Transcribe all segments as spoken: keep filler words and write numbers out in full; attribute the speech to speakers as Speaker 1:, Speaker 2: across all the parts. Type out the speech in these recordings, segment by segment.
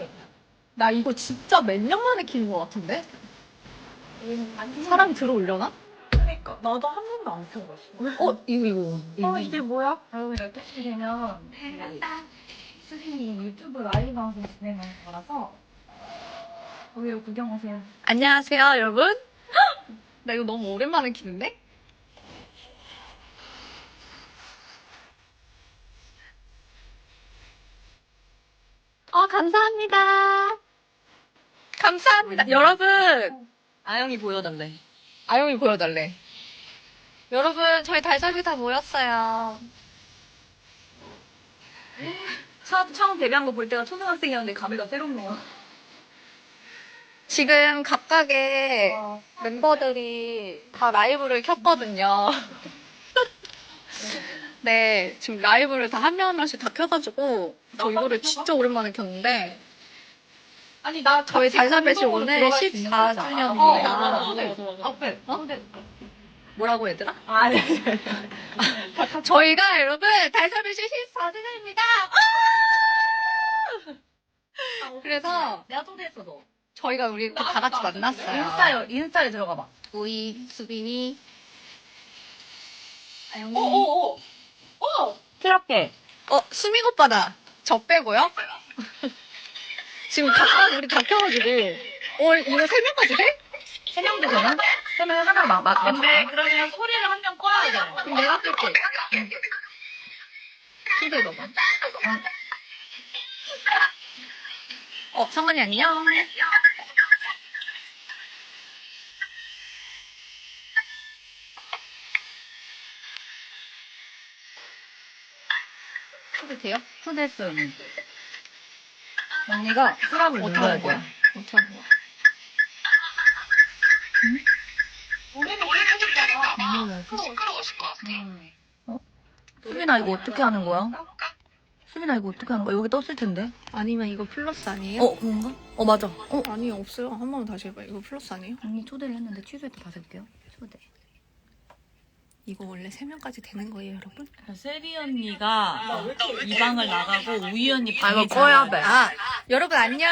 Speaker 1: 나 이거 진짜 몇 년 만에 키는 것 같은데? 사람 들어올려나?
Speaker 2: 그러니까 나도 한 번도 안 켜봤어.
Speaker 1: 어, 이거, 이거.
Speaker 2: 어 이게 뭐야?
Speaker 3: 여러분 열두 시 되면 수진이 유튜브 라이브 방송 진행하는 거라서 여기로 구경 오세요.
Speaker 1: 안녕하세요, 여러분. 나 이거 너무 오랜만에 키는데? 아, 감사합니다. 감사합니다. 여러분.
Speaker 2: 아영이 보여달래.
Speaker 1: 아영이 보여달래. 여러분, 저희 달사비 다 모였어요.
Speaker 2: 처음, 처음 데뷔한 거 볼 때가 초등학생이었는데 감회가 새롭네요.
Speaker 1: 지금 각각의 멤버들이 다 라이브를 켰거든요. 네, 지금 라이브를 다 한 명 한 명씩 다 켜가지고 저 이거를 진짜 오랜만에 켰는데
Speaker 2: 아니 나
Speaker 1: 저희 달사벳이 오늘 십사 주년입니다.
Speaker 2: 앞에.
Speaker 1: 어? 뭐라고 얘들아?
Speaker 2: 아니.
Speaker 1: 저희가 여러분 달사벳이 십사 주년입니다. 그래서
Speaker 2: 내가 초대했어 너.
Speaker 1: 저희가 우리 또 다 같이 만났어요.
Speaker 2: 인스타에 인스타에 들어가봐.
Speaker 1: 우이, 수빈이, 아영이.
Speaker 2: 오오오. 오. 트럭게.
Speaker 1: 어, 수민 오빠다. 저 빼고요. 지금 각각 우리 다 켜가지고. 어, 이거 세 명까지 돼?
Speaker 2: 세 명도 되나? 세 명 하나 막 막. 근데 그러면 소리를 한 명 꺼야 돼.
Speaker 1: 그럼 내가 끌게. 손들 넣어봐. 어, 성은이 안녕. 초대 돼요?
Speaker 2: 초대했어요. 언니. 언니가 수락을
Speaker 1: 어떻게
Speaker 2: 눌러야
Speaker 1: 하는 거야?
Speaker 2: 돼.
Speaker 1: 어떻게 하는 거야?
Speaker 2: 수빈아 이거 어떻게 하는 거야? 수빈아 이거 어떻게 하는 거야? 여기 떴을 텐데.
Speaker 1: 아니면 이거 플러스 아니에요?
Speaker 2: 어 그런가? 어 맞아. 어
Speaker 1: 아니, 없어요. 한 번 다시 해봐요. 이거 플러스 아니에요?
Speaker 2: 언니 초대를 했는데 취소했다 다시 할게요. 초대.
Speaker 1: 이거 원래 세 명까지 되는 거예요, 여러분?
Speaker 4: 세리 언니가 이 방을 나가고 우이 언니
Speaker 2: 아
Speaker 4: 방에
Speaker 2: 이거 꺼야 돼.
Speaker 1: 아, 여러분 안녕.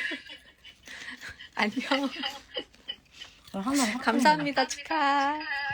Speaker 1: 안녕.
Speaker 2: 하나
Speaker 1: 감사합니다, 축하.